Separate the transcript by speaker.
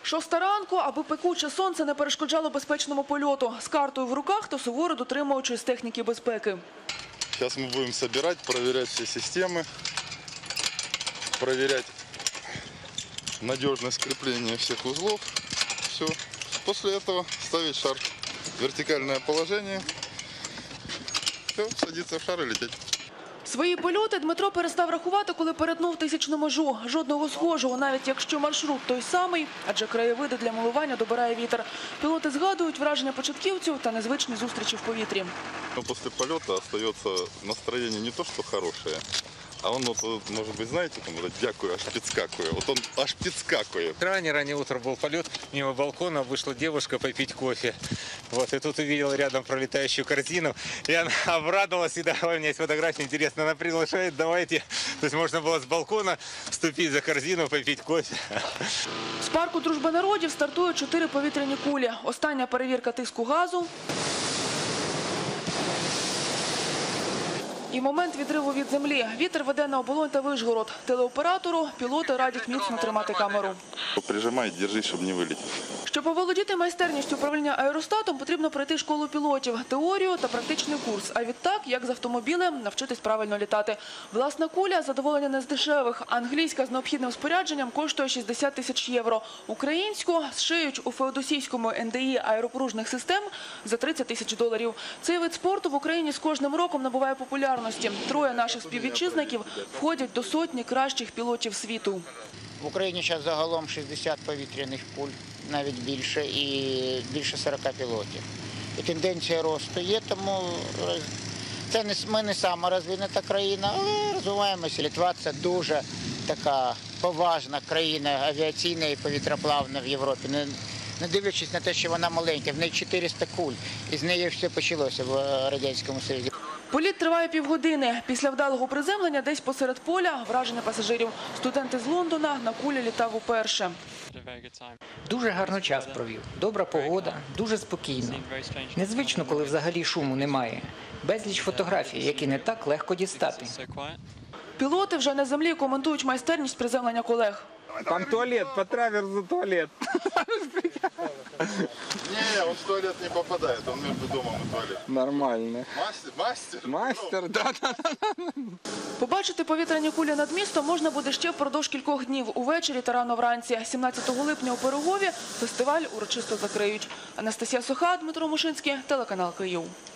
Speaker 1: 6 ранку, аби пекуче сонце не перешкоджало безпечному польоту. З картою в руках та суворо дотримуючись техніки безпеки.
Speaker 2: Зараз ми будемо збирати, перевіряти всі системи, перевіряти надіжність кріплення всіх узлів. Все. Після цього ставити шар в вертикальне положення. Все, садитися в шар і летіти.
Speaker 1: Свої польоти Дмитро перестав рахувати, коли перетнув 1000-ну межу. Жодного схожого, навіть якщо маршрут той самий, адже краєвиди для милування добирає вітер. Пілоти згадують враження початківців та незвичні зустрічі в повітрі.
Speaker 2: Після польоту залишається настроєння не то, що хороше, а воно, може бути, знаєте, дякую, аж підскакує. От він аж підскакує.
Speaker 3: Раннее утро был полет, мимо балкона вышла девушка попить кофе. Вот, и тут увидела рядом пролетающую корзину, и она обрадовалась, и давай, у меня есть фотография, интересно, она приглашает, давайте. То есть можно было с балкона вступить за корзину, попить кофе.
Speaker 1: З парку «Дружба народів» стартують 4 повітряні кулі. Остання перевірка тиску газу. І момент відриву від землі. Вітер веде на Оболонь та Вишгород. Телеоператору пілоти радять міцно тримати камеру.
Speaker 2: Прижимай, держи, щоб не вилетів.
Speaker 1: Щоб оволодіти майстерністю управління аеростатом, потрібно пройти школу пілотів, теорію та практичний курс. А відтак, як з автомобілем, навчитись правильно літати. Власна куля – задоволення не з дешевих. Англійська з необхідним спорядженням коштує 60 тисяч євро. Українську зшиють у феодосійському НДІ аеропоружних систем за 30 тисяч доларів. Цей вид спорту в Україні з кожним роком набуває популярності. 3 наших співвітчизників входять до сотні кращих пілотів світу.
Speaker 4: В Україні зараз загалом 60 повітряних куль, навіть більше, і більше 40 пілотів. І тенденція росту є, тому ми не сама розвинута країна, але розвиваємося. Литва – це дуже така поважна країна авіаційна і повітроплавна в Європі. Не дивлячись на те, що вона маленька, в неї 400 куль, і з неї все почалося в Радянському Союзі.
Speaker 1: Політ триває півгодини. Після вдалого приземлення десь посеред поля враження пасажирів. Студент із Лондона на кулі літав уперше.
Speaker 5: Дуже гарно час провів. Добра погода, дуже спокійно. Незвично, коли взагалі шуму немає. Безліч фотографій, які не так легко дістати.
Speaker 1: Пілоти вже на землі коментують майстерність приземлення колег.
Speaker 3: Там туалет, по траверсу туалет.
Speaker 2: Не, он в туалет не попадает, он между домом и туалетом.
Speaker 3: Нормально.
Speaker 2: Мастер?
Speaker 3: Мастер, да.
Speaker 1: Побачити повітряні кулі над містом можна буде ще впродовж кількох днів, увечері та рано вранці. 17 липня у Пирогові фестиваль урочисто закриють. Анастасія Соха, Дмитро Мушинський, телеканал Київ.